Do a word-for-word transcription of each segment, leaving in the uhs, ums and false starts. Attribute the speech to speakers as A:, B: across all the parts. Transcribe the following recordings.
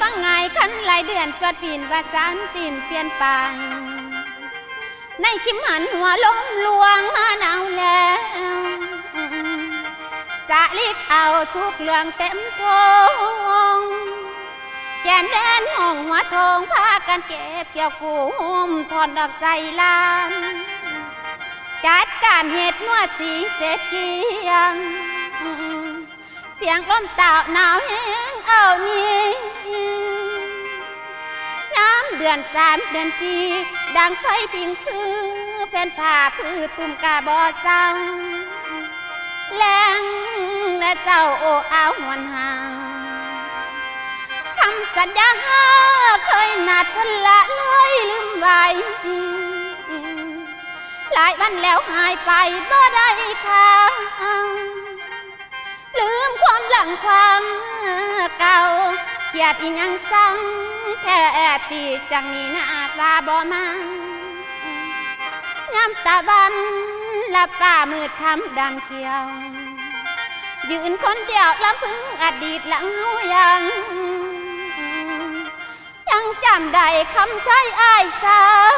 A: งไงคันหลายเดือนเปิดปีนว่าสารจีนเปลี่ยนไปในคิมหันหัวล้มลวงมาหนาวแล้วสะลิดเอาทุกเรื่องเต็มทงแกนแดนห้องหัวทองพากันเก็บเกี่ยวกุมถอนดอกใส่ลานจัดการเห็ดนวดสีเสร็จเกียงเสียงลมเต่าหนาวแห้งเอานี้น้ำเดือนสามเดือนสี่ดังไฟพิงคือเป็นผ้าพื้นตุ่มกาบอเศร้าแรงและเจ้าโอ้เอาหวนหางคำสัญญาเคยนัดพละเลยลืมไว้หลายวันแล้วหายไปบ่ได้ข่าวลืมความหลังความเก่าเกียดอีหยังสั่งแค่ปีจังนี้นาตาบ่มางามตาบันหลับตามืดคำดำเขียวยืนคนเดียวลำพึงอดีตหลังหูยังยังจำได้คำใช้อ้ายสาว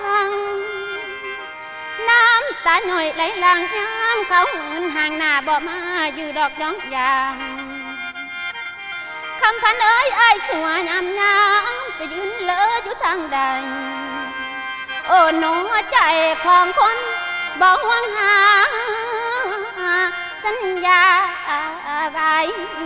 A: น้ำตาหน่อยไหลหลังย้ำเขาหืนห่างหน้าบ่มาอยู่ดอกย้องยางคำพันเอ้ยอ้ายสัวยำยำไปยืนเลออยู่ทางใดโอ้หนูใจของคนบ่หวงหาสัญญาไว้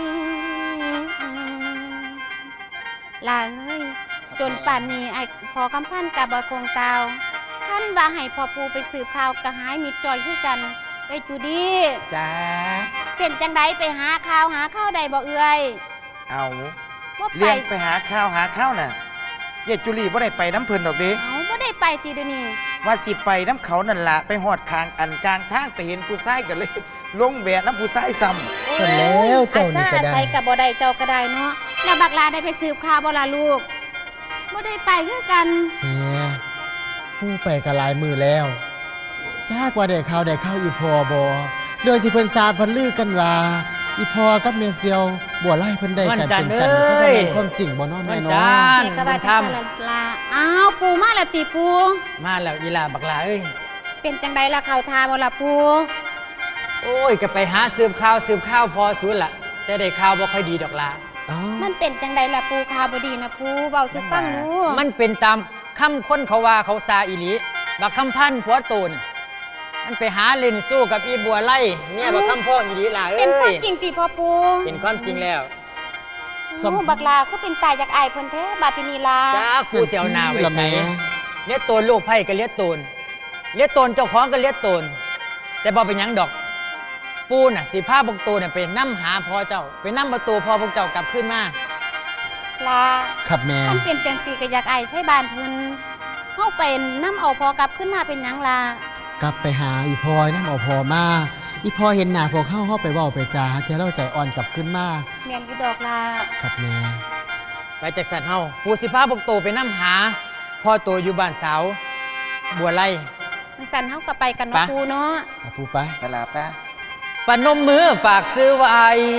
A: ลาเอ้ยจนป่านนี้ไอ้พอคำพันกับบ่คงเตาท่านว่าให้พ่อปูไปสืบข่าวกระหายมิดจอยคือกันไอ้จูดี้
B: จ้า
A: เป็นจังไดไปหาข่าวหาข้าวใดบ่เอื้อย
B: เอาเลี้ยงไปหาข้าวหาข้าวน่ะเยจุลีบ่ได้ไปน้ำเพิ่นดอกเด้
A: เอาบ่ได้ไปตีเดี๋ยวนี้
B: ว่าสิไปน้ำเขานั่นล่ะไปหอดคางอันกลางทางไปเห็นผู้ชายกันเลยลงแหวนน้ำผู้ชายซ้
C: ำเสร็จแล้วเจ้านี่ก็ได้
A: อาศัยกับบ่ได้เจ้าก็ได้เนาะแล้วบักลาได้ไปสืบข่าวบ่ล่ะลูกบ่ได้ไปคือกัน
C: เฮียผู้ไปก็หลายมือแล้วจ้ากว่าได้ข่าวได้ข่าวอีพอบ่เรื่องที่เพิ่นทราบเพิ่นลือกันว่าอีพอกับเมเซียวบัวไล่เพิ่นได้กันเป็นกันก็เป็นความจริงบ่เนาะแม่เนาะ
A: เด็กก็ว่าจังซั่นล่ะอ้าวปูมาแล้วติปู
D: มาแล้วอีหล่าบักหลาเอ้ย
A: เป็นจังไดล่ะข่าวทาบ่ล่ะปู
D: โอ้ยก็ไปหาสืบข่าวสืบข่าวพอสูนล่ะแต่ได้ข่าวบ่ค่อยดีดอกล่ะ
A: มันเป็นจังไดล่ะปูข่าวบ่ดีนะปูเว้าสิฟังดู
D: มันเป็นตามคำคนเขาว่าเขาซาอีหลีบักคำพันผัวโตนมันไปหาเล่นสู้กับอีบัวไล่เนี่ยบักคำพ่ออีหลีล่ะเอ้ย
A: เป็นความจริงสิพ่อปู
D: เป็นความจริงแล้ว
A: สมบักลาก็เป็นตายจากอายเพิ่นแท้บาตินีลา
D: จ้ากูเสียวหน้าไว้ใส่เลี้ยโตนลูกไผ่ก็เลี้ยโตนเลี้ยโตนเจ้าของก็เลี้ยโตนแต่บ่เป็นหยังดอกปูน่ะสิพาพวกโตเนี่ยไปนำหาพ่อเจ้าไปนำประตูพ่อพวกเจ้ากลับขึ้นมา
A: ลา
C: ครับแม่
A: มันเป็นจังซี่ก็อยากอายไทบ้านเพิ่นเฮาไปนำเอาพ่อกลับขึ้นมาเป็นหยังล่ะ
C: กลับไปหาอีพอยนำเอาพ่อมาอีพอเห็นหน้าพวกเขาเฮาไปเว้าไปจาเที่ยวเราใจอ่อนกลับขึ้นมา
A: แม่นอยู่ดอกล่ะ
C: ครับแม่
D: ไปจากสัตว์เฮาปูสิพาพวกโตไปนำหาพ่อโตอยู่บ้านสาวบัวไล่
A: สันเฮาก็ไปกันเนาะปูเนาะ
C: ปูไป
B: ไปลาป้า
D: ปนมมือฝากซื้อไว้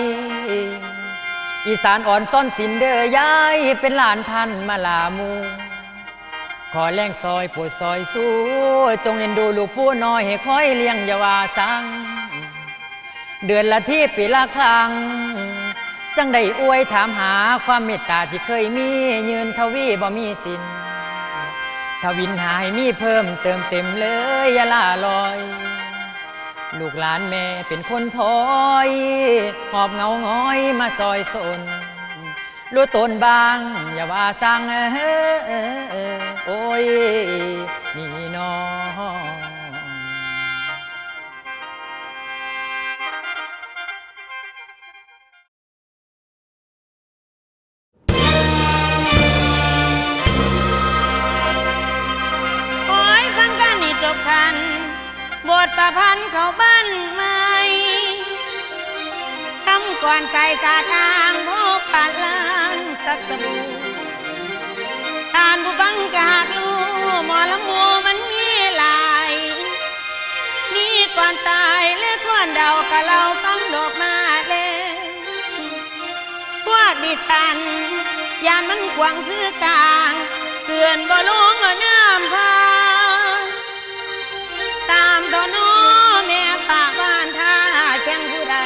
D: อีสานอ่อนซ่อนสินเด้อยายเป็นหลานท่านมาลามูขอแรงซอยปวดซอยสู้จงเอ็นดูลูกผู้น้อยให้คอยเลี้ยงอย่าว่าสังเดือนละที่ปีละครั้งจังได้อวยถามหาความเมตตาที่เคยมียืนทวีบ่มีสิ้นทวินหายมีเพิ่มเติมเต็มเลยอย่าล่าลอยลูกหลานแม่เป็นคนถอยหอบเงาง้อยมาซอยสนรู้ตนบางอย่าว่าสั่งโอ้ยนี่น้อง
E: โอ้ยฟังกันนี่จบคันบทประพันธ์เขาบ้านใหม่คำก่อนใส่สาทางพบปะล้างสักสบู่ทานผู้ฟังกะหากรู้หมอลำมูมันมีหลายนี่ก่อนตายและก่อนเดากะเราฟังดอกมาเลยพวกดิฉันยานมันขวางคือกลางเกลื่อนบ่ลงเอาน้ำพาตามตอนน้อแม่ปากบ้านท่าแข่งผู้ใด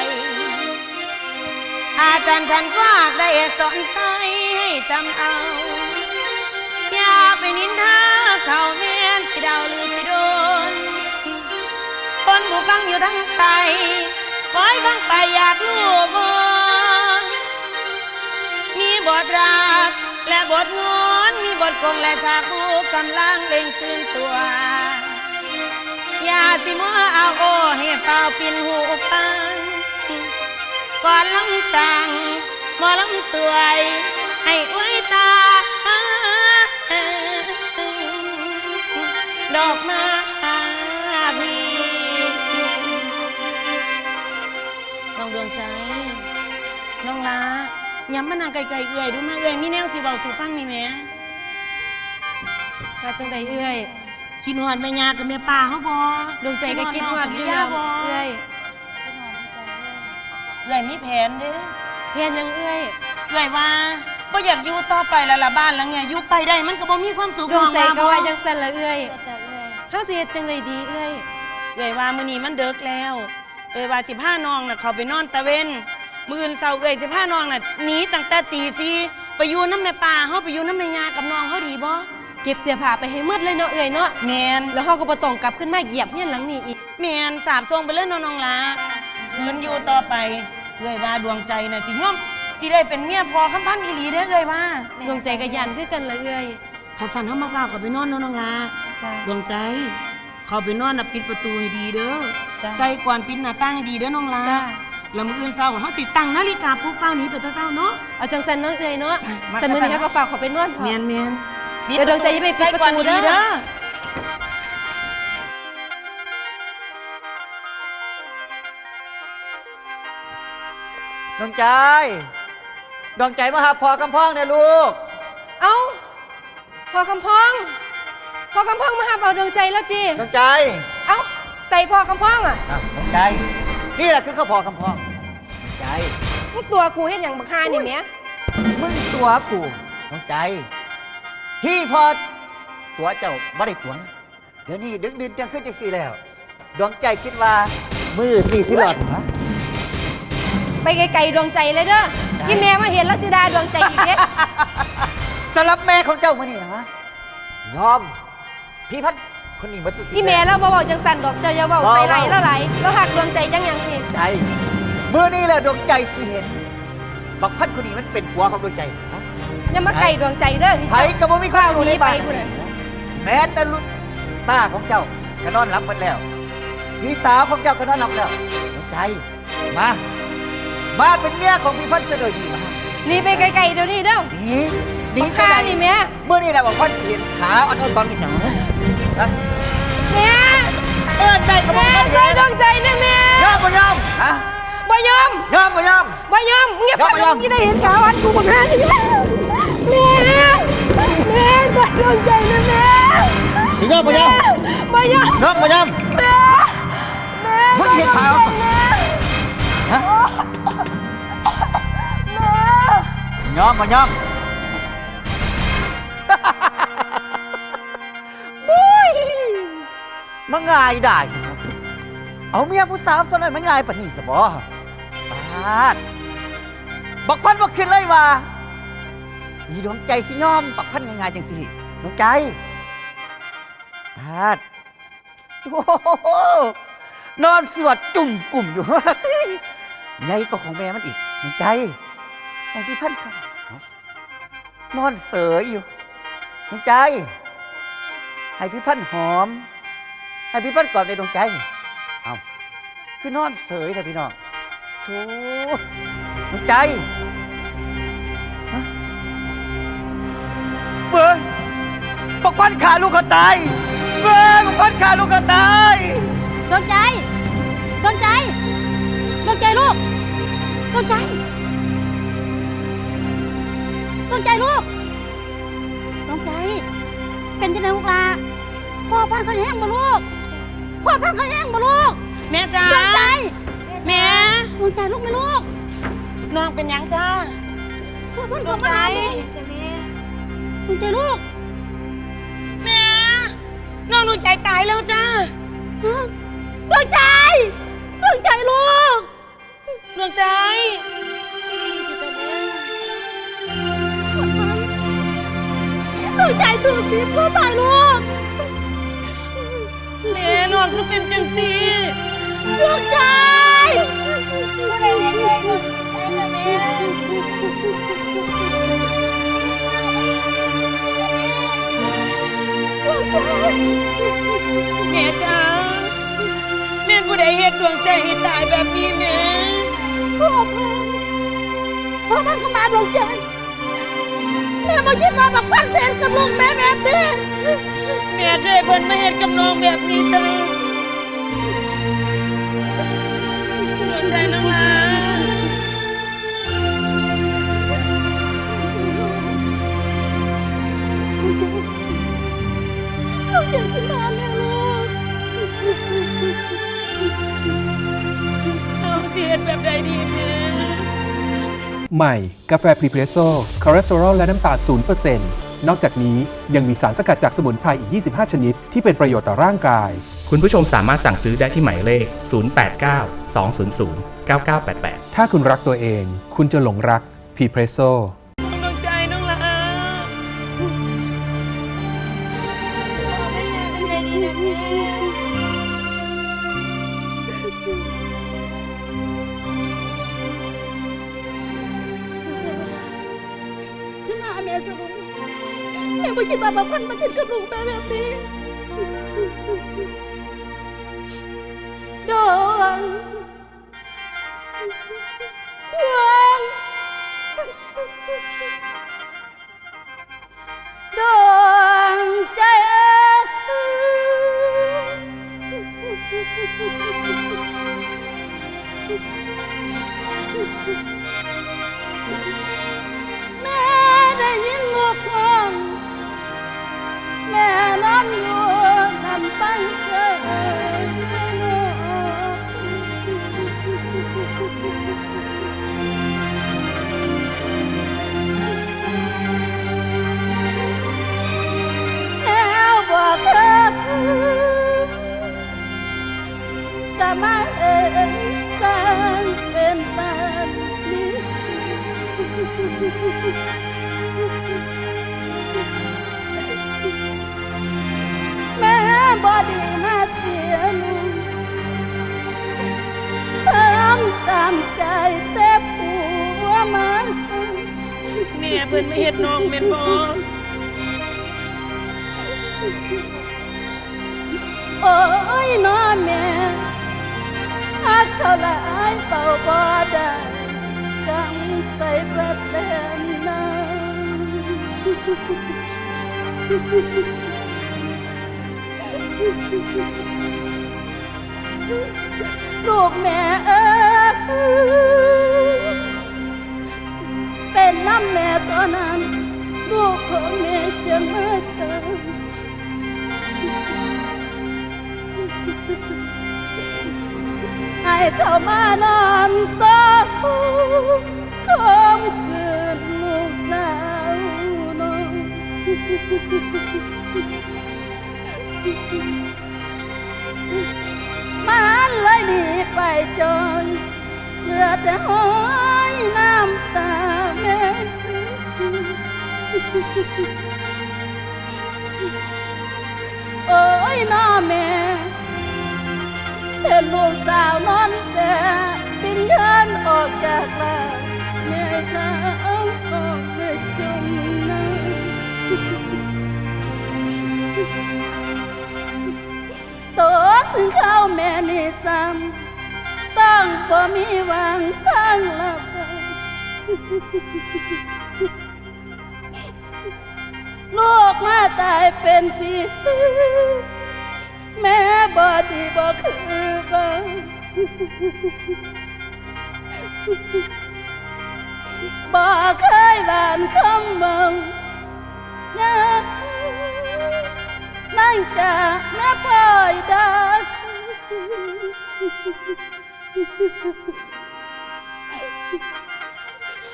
E: อาจารย์ฉันก็ได้สอนใจให้จำเอาอย่าไปนินทาเขาแม่นสิดาวหรือสิโดนคนผู้ฟังอยู่ทั้งไตคอยฟังไปอยากรู้บ่มีบทรักและบทงอนมีบทคงและฉากผู้กำลังเล่งตื่นตัวอย่าสิมัวเอาโอให้เฝ้าปินหูฟังก่อนลำจังหมอลำสวยให้อวยตาดอกไม้บีน้องดวงใจน้องลาย้ำมานั่งไกลๆเอื่อยดูมาเอื่อยมีแนวสิเบาสู่ฟังนี่แหม่
A: ว่าจังใดเอื้อย
E: คิดหอดแม่ยากับแม่ป่าเขาบ่
A: ดวงใจก็คิดฮอดอยู่แล้วเอื้อย
E: เอื่อยมีแผนเด้อ
A: เพียนยังเอื้อย
E: เอื่อยว่าบ่อยากอยู่ต่อไปแล้วล่ะบ้านหลังเนี่ยอยู่ไปได้มันก็บ่มีความสุข
A: ดวงใจ
E: น้อ
A: ก็ว่า
E: บ่
A: จังซั่นละเอื้อยเฮาสิเฮ็ดจังไดดีเอื้อย
E: เอ่ยว่ามื้อนี้มันเดึกแล้วเอ่ยว่าสิพาน้องน่ะเขาไปนอนตะเวนมื้ออื่นเช้าเอ่ยสิพาน้องน่ะหนีตั้งแต่ตีสี่ไปอยู่น้ำแม่ป่าเฮาไปอยู่น้ำแม่ยากับน้องเฮาดีบ่
A: เก็บเสื้อผ้าไปให้หมดเลยเนาะเอื้อยเนาะ
E: แม่น
A: แล้วเฮาก็บ่ต้องกลับขึ้นมาเหยียบเฮียนหลังนี้อีก
E: แม่นสาบส่งไปเลยน้องๆล่ะคืนอยู่ต่อไปเอ่ยว่าดวงใจน่ะสิยอมสิได้เป็นเมียพอคำพันธ์อีหลีเด้อเอ่ยว่า
A: ดวงใจก็ยันคือกันละเอื้อย
E: เขาสั่นเฮามาฝากกับไปนอนน้องๆล่ะ
A: จ้า
E: ดวงใจเขาไปนอนน่ะปิดประตูให้ดีเด้อ
A: จ้ะ
E: ใส่ก่อนปิดหน้าต่างให้ดีเด้อน้องล่ะ
A: จ้า
E: แล้วมื้ออื่นเช้าเฮาสิตั้งนาฬิกาปลุกเฝ้าหนีไปแต่เช้าเนาะ
A: เอาจังซั่นเนาะเอื้อยเนาะ
E: มา
A: แต่มื้อนี้ก็ฝากเขาไปนวดพอ
E: เมียนเมียน
A: เดี๋ยวดวงใจจะไปปิดประตูเด้อ
E: ใส่ก่อนดีๆเด้อ
D: ดวงใจดวงใจมาหาพอกำพ้องเนี่ยลูก
A: เอ้าพอคำพ้องพอคำพ้องมาหาเอาดวงใจแล้วจี
D: ดวงใจ
A: เอ้าใส่พอคำพ้องอ่ะ
D: อ่ะดวงใจ นี่แหละคือข้าวพอกำพ้องดวงใจ
A: มึงตัวกูเฮ็ดหยังบักฮานี่แหม
D: มึงตัวกูดวงใจ พี่พอตัวเจ้าไม่ได้ตัวนะเดี๋ยวนี้ดึกดื่นจังขึ้นจังสี่แล้ว ดวงใจคิดว่ามือสี่สิหลอดนะ
A: ไปไกลๆดวงใจเลยเด้อที่แม่มาเห็นแล้วสิดาดวงใจอีกเด้
D: สำหรับแม่ของเจ้ามื่อนี่นะฮะยอม พี่พัดคนนี้มาสุด
A: ที่แม่เราบ่เว้าจังสั่นดอกเจ้าอย่าเว้าใส่ไหลแล้วไหลแล้วหักดวงใจจังหยังนี่
D: ใจเมื่อนี้แหละดวงใจสิเห็นบักพัดคนนี้มันเป็นผัวของดวงใจฮะ
A: อย่ามาไกลดวงใจเด้อนี่
D: ไผก็บ่มีคนอยู่ในบ้าน
A: เฝ้หไปพุ่นน่ะ
D: แม้แต่ลูกป้าของเจ้าก็นอนหลับหมดแล้วพี่สาวของเจ้าก็นอนหลับแล้วดวงใจมา มาเป็นเมียของพี่พัดเสดอดีมา
A: หนีไปไกลๆเดี๋ยวนี้เด้อ
D: หนีหนี
A: บัก
D: ไป
A: ฮา
D: ไหน
A: นี่แม่
D: เมื่อนี้แหละบอกพัดเห็นขาอ่อนๆความเป็นอย่างนั้นนะ
A: แม่
D: เอิ้นได้ก็บอก
A: แม่
D: พัด
A: ใส่
D: เห็น
A: ดวงใจนะแม่
D: ยอมบ่ยอมฮะ
A: บ่ยอม
D: ยอมบ่ยอม
A: บ่ยอมเงียบ
D: ยอม
A: ปาก
D: บ่ยอม
A: ที่ได้เห็นขาวอันกูบักฮานี่แม่แม่แม่ใส่ดวงใจนะแม่
D: สิยอมบ่ยอม
A: บ่ยอม
D: ยอมบ่ยอม
A: แม่แม่
D: มึงเห็นขาว ฮะ
A: แม่
D: ยอมบ่ยอม บุ้ยมันง่ายได้ครับเอาเมียผู้สาวสนั้นมันง่ายปานนี้สบ่ปาดบักพันบ่คิดเลยว่าอีดวงใจสิยอมบักพันง่ายๆจังสิดวงใจปาดโอ้โหนอนสวดจุ่มกลุ่มอยู่ ใหญ่ก็ของแม่มันอีกดวงใจไอ้พี่พันครับนอนเสยอยู่ดวงใจ ให้พี่พันหอม ให้พี่พันกอดในดวงใจ เอาคือนอนเสยแต่พี่น้องโธ่ดวงใจฮะเบ้ยบักพันขาลูกเขาตายเบ้ยบักพันขาลูกเขาตาย
A: ดวงใจดวงใจดวงใจลูกดวงใจดวงใจลูกดวงใจเป็นจังได๋ลูกล่ะพ่อพันเขาแห้งบ่ลูกพ่อพันเขาแห้งบ่ลูก
E: แม่จ้า
A: ดวงใจ
E: แม่
A: ดวงใจลูกไหมลูก
E: น้องเป็นหยังจ้าดวงใจ
A: ดวงใจลูก
E: แม่น้องดวงใจตายแล้วจ้า
A: ดวงใจดวงใจลูก
E: ดวงใจ
A: ดวงใจถูกบีบก็ตายลูก
E: แม่น้องคือเป็นจังสี
A: ดวงใจไม่ได้เห็นเลยไอ้แม่ดวงใจ
E: แม่จ้าแม่ผู้ใดเฮ็ดดวงใจให้ตายแบบนี้แม่
A: พ่อพันพ่อพันเข้ามาดวงใจแม่มาคิดว่าบักพันเสร็จกับลูกแม่แบบนี้
E: แม่เคยเพิ่นมาเฮ็ดกับน้องแบบนี้จ้าดวงใจน้องลา
A: ดวงใจขึ้นมาแม่ลูก
E: น้องสิเฮ็ดแบบใดดีแม่
F: ใหม่ กาแฟพรีเพรสโซ่คอเลสเตอรอลและน้ำตาล ศูนย์เปอร์เซ็นต์ นอกจากนี้ยังมีสารสกัดจากสมุนไพรอีก ยี่สิบห้า ชนิด ที่เป็นประโยชน์ต่อร่างกาย
G: คุณผู้ชมสามารถสั่งซื้อได้ที่หมายเลข ศูนย์ แปด เก้า สอง ศูนย์ ศูนย์ เก้า เก้า แปด แปด
F: ถ้าคุณรักตัวเอง คุณจะหลงรักพรีเพรสโซ่
E: ดวงใจน้องลา
A: ขึ้นมาแม่สรุปแม่ไม่คิดว่าบักพันมาถึงกับลูกแม่แบบนี้ดวงดวงดวงใจแม่ได้ยินลูกร้องแม่นอนอยู่ลำพังเกินแล้วบอกเธอก็มาเห็นกันเป็นแบบนี้แม่บอดีมาเสียลูกทำตามใจแต่ผัวมัน
E: แม่เพิ่นมาเฮ็ดน้องแม่นบ่
A: โอ้ยน้อแม่หักเท่าไรเป่าบ่ได้กังใส่ประเด็นนั้นลูกแม่เอ้ยเป็นน้ำแม่ตอนนั้นลูกของแม่จะมาเกิดให้เข้ามานอนต่อคมคืนลูกสาวน้องมันเลยหนีไปจนเหลือแต่ห้อยน้ำตาแม่โอ้ยน้อแม่เห็นลูกสาวนอนแต่บินเชิญออกจากลาแม่ข้าออกไม่จมน้ำตัวถึงเข้าแม่นี่ซ้ำต้องบ่มีหวังทางลับลูกมาตายเป็นพี่แม่บ่ดีบ่คือบ่บ่เคยหวานคำเบานะนั่งจากแม่ปล่อยดา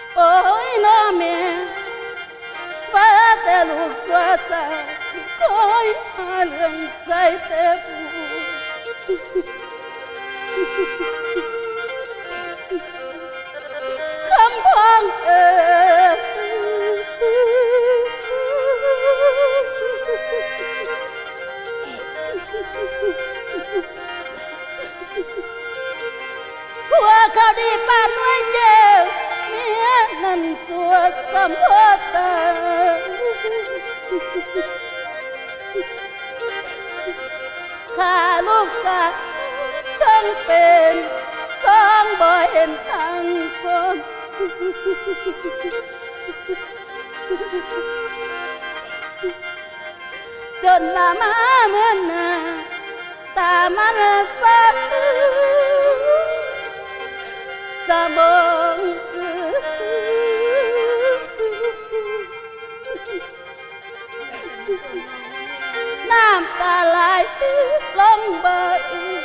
A: โอ้ยน้อแม่ว่าแต่ลูกสัวตาคอยหาเรื่องใจแต่ผู้คำพ้องเออผัวเขาดีปานด้วยเจ้าเมียนั่นตัวสัมพตาข้าลูกสาวต้องเป็นต้องบ่เห็นทางคนจนมามาเมื่อนาตามันสับสะบงน้ำตาไหลลงเบิด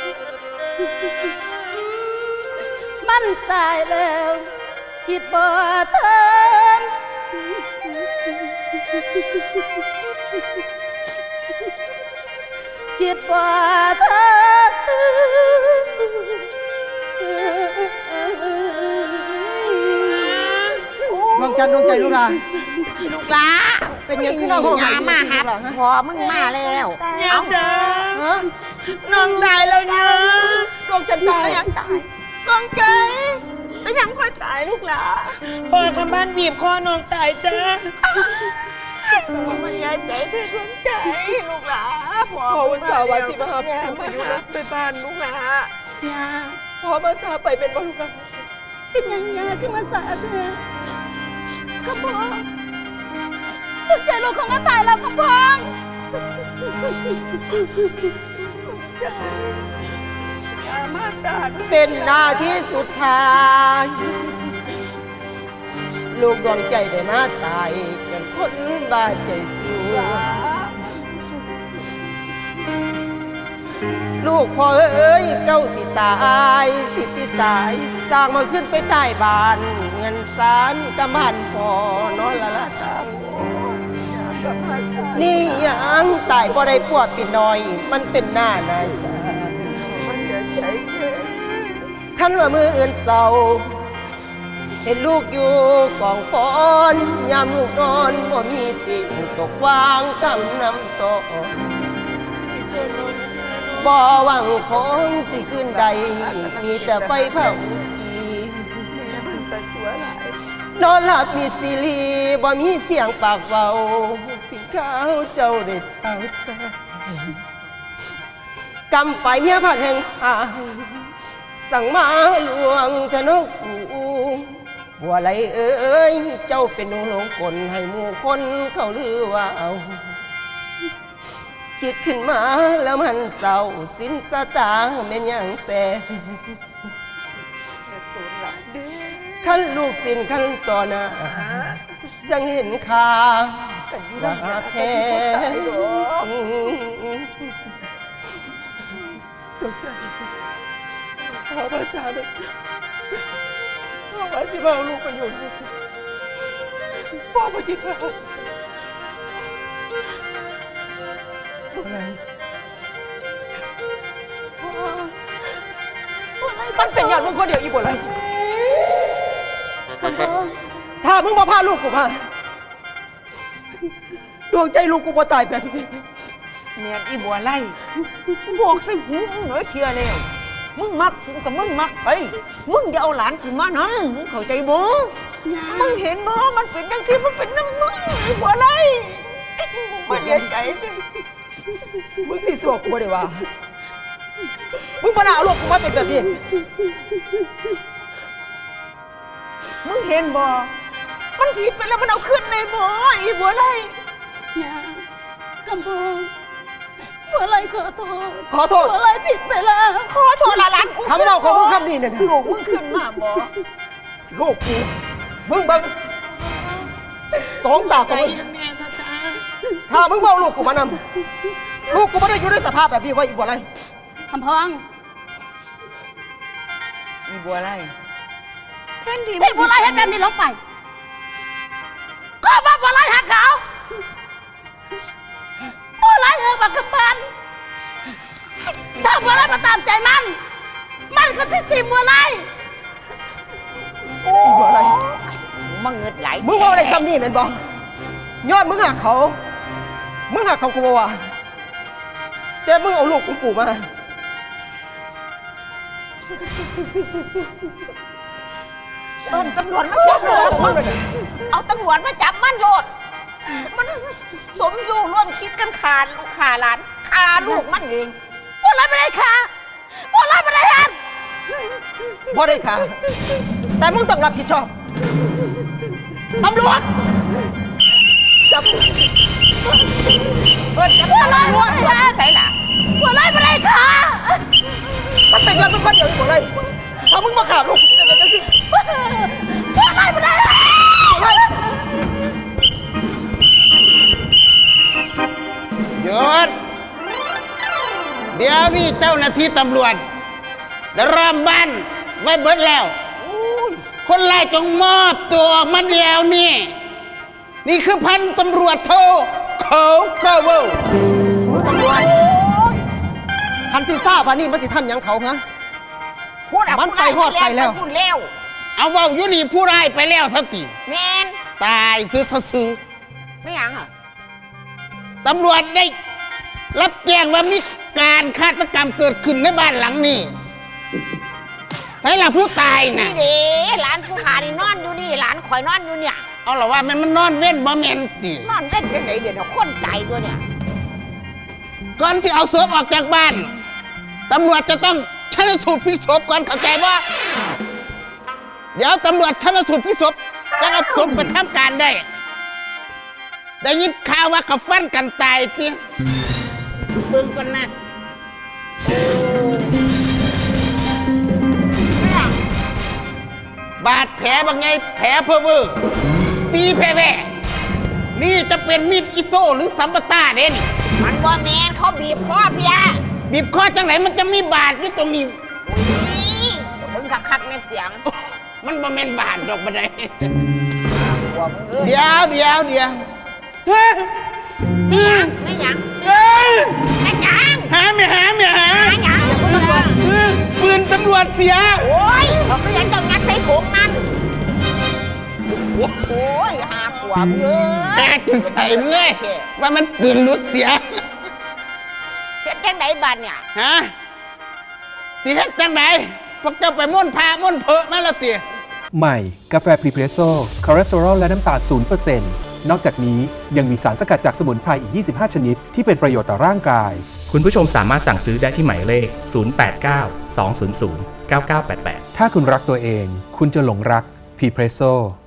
A: มันตายแล้วคิดบ่ทันคิดบ่ทัน
C: ดวงจันทร์ดวงใจลูกหลาน
E: ลูกหลา
C: เป็นยังขึ้นเราห้อง
E: ยามาหาพอมึงมาแล้วเอาเจอ
C: ฮะ
E: น้องตายแล้วเนี่ย
C: ดวงจันทร์ตาย
E: ยังตายน้องใจก็ยังค่อยตายลูกหลาพอคำบ้านบีบคอน้องตายจ้ามันยายใจเธอดวงใจลูกหลาพอวันเสาร์วันสิบห้าไปอยู่ไปบ้านลูกหลาย
A: า
E: พอมาซาไปเป็นบ้านลูกหลา
A: เป็นหยังยาขึ้นมาสาเธอขพองลูกใจลูกของก็ตายแล้วขพอง
E: มาสา
C: เป็นหน้าที่สุดท้าย ลูกดวงใจได้มาตายจนคนบ้าใจสู้ลูกพ่อเอ้ยเก้าสิตายสิสิตายสร้างมาขึ้นไปใต้บ้านเงินสารกำมันพอนอนละละสามนี่ยังตายบ่ได้ปวดปิดน้อย มันเป็นหน้านายสามันอย่าใจแค่ท่านว่ามืออื่นเศร้าเห็นลูกอยู่กองฟอนยามลูกนอนบ่มีติ่งตกวางกำน้ำตกบ่หวังของสิขึ้นใดมีแต่ไฟเผาอีกนอนหลับมีสิรีบ่มีเสียงปากเบาถึงข้าวเจ้าได้เท่าตากำไปเมียผัดแห่งหายสั่งมาหลวงทะนกอูบัวไหลเอ้ยเจ้าเป็นหนูหลงกลให้หมู่คนเขาลือว่าเอาคิดขึ้นมาแล้วมันเศร้าสิ้นสตางค์เป็นอย่างแต่ขั้นลูกสิ้นขั้นต่อหน้าจังเห็นค่าว่าแท้พ่อภาษาเลยพ่อว่าสิมาเอาลูกไปอยู่นี่พ่อมาคิดว่าอะไร มันเป็นอย่างมึงคนเดียวอีบ่อะไร
A: ขพอง
C: ถ้ามึงมาพาลูกกูมาดวงใจลูกกูบ่ตายแบบนี้
E: เมียอีบัวไล่กูบอกสิหูมึงเหนือเชียแล้วมึงมักกูกับมึงมักไปมึงอย่าเอาหลานกูมานั่นมึงเข้าใจบ่มึงเห็นบ่มันเป็นจังซี่มันเป็นน้ำมึงอีบัวไล่มันเสียใจสิ
C: มึงสิสวกกูบ่ได้ว่ามึงบ่น่าเอาลูกกูมาเป็นแบบนี้
E: มึงเห็นบ่มันผิดไปแล้วมันเอาขึ้นในบ่อีบัวไล่
A: ยาขพองบัวไหลขอโทษ
C: ขอโทษ
A: บัวไหลผิดไปแล้ว
E: ขอโทษละหลานกู
C: คำเล่าของมึงคำนี้เนี่ยนะ
E: ลูกมึงขึ้นมาบ่
C: ลูกกูมึงเบังสองตาของมึง
E: แม่ท่าจ้า
C: ถ้ามึงบ่เอาลูกกูมานำลูกกูไม่ได้อยู่ในสภาพแบบนี้ไว้อีกว่าไร
A: ขพอง
E: อีบัวไล่แทนที่
A: ที่บัวไหลเห็นแบบนี้ลงไปก็ว่าบัวไล่หักเขาบัวไล่เออบักกำปันถ้าบัวไล่มาตามใจมันมันก็ที่ตีบัวไล่
E: โอ้อะไรมึงเงิดไหลมึงว่าอะไรคำนี้เป็นบ่ยอดมึงหักเขามึงหักเขากูบ่ว่าแต่มึงเอาลูกของกูมาเอิ้นตำรวจมาจับเลยเอาตำรวจมาจับมันโลดมันสมอยู่ร่วมคิดกันขาดขาหลานขาลูกมันเองบัวไล่ไม่ได้ขาบัวไล่ไม่ได้หันบ่ได้ขาแต่มึงต้องรับผิดชอบตำรวจจับเอิ้นจับตำรวจใส่ล่ะบัวไล่ไม่ได้ขามันเป็นยังมึงคนเดียวอยู่เลยถ้ามึงมาขาลูกจะเป็นจังสิบัวไล่ไม่ได้
B: หยุดเดี๋ยวนี้เจ้าหน้าที่ตำรวจได้รอบบ้านไว้เบิดแล้วคนร้ายจงมอบตัวมาเดียวนี่นี่คือพันตำรวจโทเขาเกาเวล
E: ตำรวจคันที่ทราบว่านี่มันสิทำหยังเขาฮะพูดอะมันไปฮอดไปแล้วพูดแล้ว
B: เอาเว่าอยู่นี่ผู้ร้ายไปแล้วสติ
E: แมน
B: ตายซื้อซื้อ
E: ไม่หยังอ่ะ
B: ตำรวจได้รับแจ้งว่ามีการฆาตกรรมเกิดขึ้นในบ้านหลังนี้ใช่ล่ะผู้ตายนะ
E: นี่เด้หลานผู้ขานี่นอนอยู่นี่หลานข่อยนอนอยู่เนี่ย
B: เอาหรอว่ามันมันนอนเว้นบ่แม่นติ
E: นอนเล่นจังไหนเดี๋ยวคนใจตัวเนี่ย
B: ก่อนที่เอาศพออกจากบ้านตำรวจจะต้องชันสูตรพลิกศพก่อนเข้าใจว่าเดี๋ยวตำรวจชันสูตรพลิกศพจะเอาศพไปทำการได้ได้ยินข่าวว่าเขาฟันกันตายติเบิ่งก่อนนะบาดแผลบางไงแผลเพอเวอร์ตีแผลแว่นี่จะเป็นมีดอิโต้หรือสัมปตาเด่น
E: มันว่าแมนเขาบีบคอเพีย
B: บีบคอจังไหนมันจะมีบาดอยู่ตรงนี้
E: นี่มึงคักๆในเสียง
B: มันบ่แม่นบาดดอกบันได
E: หัวมึงเอ้ย
B: เดี๋ยวเดี๋ยวเดี๋ยวเฮ้ย
E: ไม่หยังไม่หยัง
B: เฮ้ย
E: ไม่หยัง
B: หาไม่หาไม่หา
E: ไม่หยังเดี๋ยวมึงบอก
B: เฮ้ยปืนตำรวจเสีย
E: โอ้ยเขาก็ยังต้องงัดใส่ถุงนั่นโอ้ยหาขวบเอ้
B: แต
E: ย
B: กจนใส่เมื่อยว่ามันปืนรุดเสีย
E: เฮ็ดจังไหนบ้านเนี่ย
B: ฮะสิเฮ็ดจังไหนพวกเจ้าไปม่วนพาม่วนเพอมาแล้วเตี๋ย
F: ใหม่ กาแฟพรีเพรสโซ่คอเลสเตอรอลและน้ำตาล ศูนย์เปอร์เซ็นต์ นอกจากนี้ยังมีสารสกัดจากสมุนไพรอีก ยี่สิบห้า ชนิด ที่เป็นประโยชน์ต่อร่างกาย
G: คุณผู้ชมสามารถสั่งซื้อได้ที่หมายเลข ศูนย์ แปด เก้า สอง ศูนย์ ศูนย์ เก้า เก้า แปด แปด
F: ถ้าคุณรักตัวเอง คุณจะหลงรักพรีเพรสโซ่